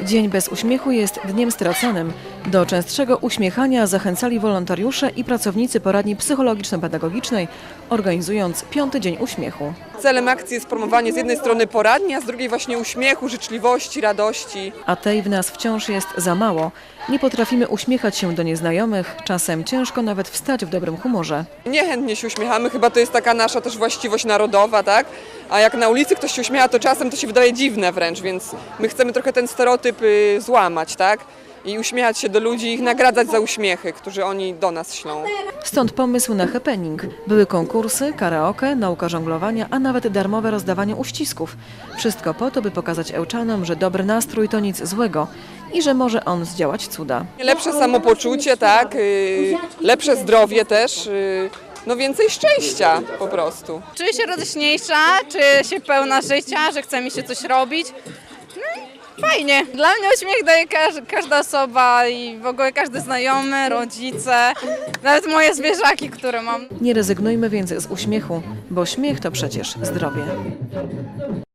Dzień bez uśmiechu jest dniem straconym. Do częstszego uśmiechania zachęcali wolontariusze i pracownicy poradni psychologiczno-pedagogicznej, organizując 5. Dzień Uśmiechu. Celem akcji jest promowanie z jednej strony poradni, a z drugiej właśnie uśmiechu, życzliwości, radości. A tej w nas wciąż jest za mało. Nie potrafimy uśmiechać się do nieznajomych, czasem ciężko nawet wstać w dobrym humorze. Niechętnie się uśmiechamy, chyba to jest taka nasza też właściwość narodowa, tak? A jak na ulicy ktoś się uśmiecha, to czasem to się wydaje dziwne wręcz, więc my chcemy trochę ten stereotyp złamać, tak? I uśmiechać się do ludzi i ich nagradzać za uśmiechy, które oni do nas ślą. Stąd pomysł na happening. Były konkursy, karaoke, nauka żonglowania, a nawet darmowe rozdawanie uścisków. Wszystko po to, by pokazać Ełczanom, że dobry nastrój to nic złego i że może on zdziałać cuda. Lepsze samopoczucie, tak? Lepsze zdrowie też. No więcej szczęścia po prostu. Czuję się radośniejsza, czuję się pełna życia, że chce mi się coś robić. No i fajnie. Dla mnie uśmiech daje każda osoba i w ogóle każdy znajomy, rodzice, nawet moje zwierzaki, które mam. Nie rezygnujmy więc z uśmiechu, bo śmiech to przecież zdrowie.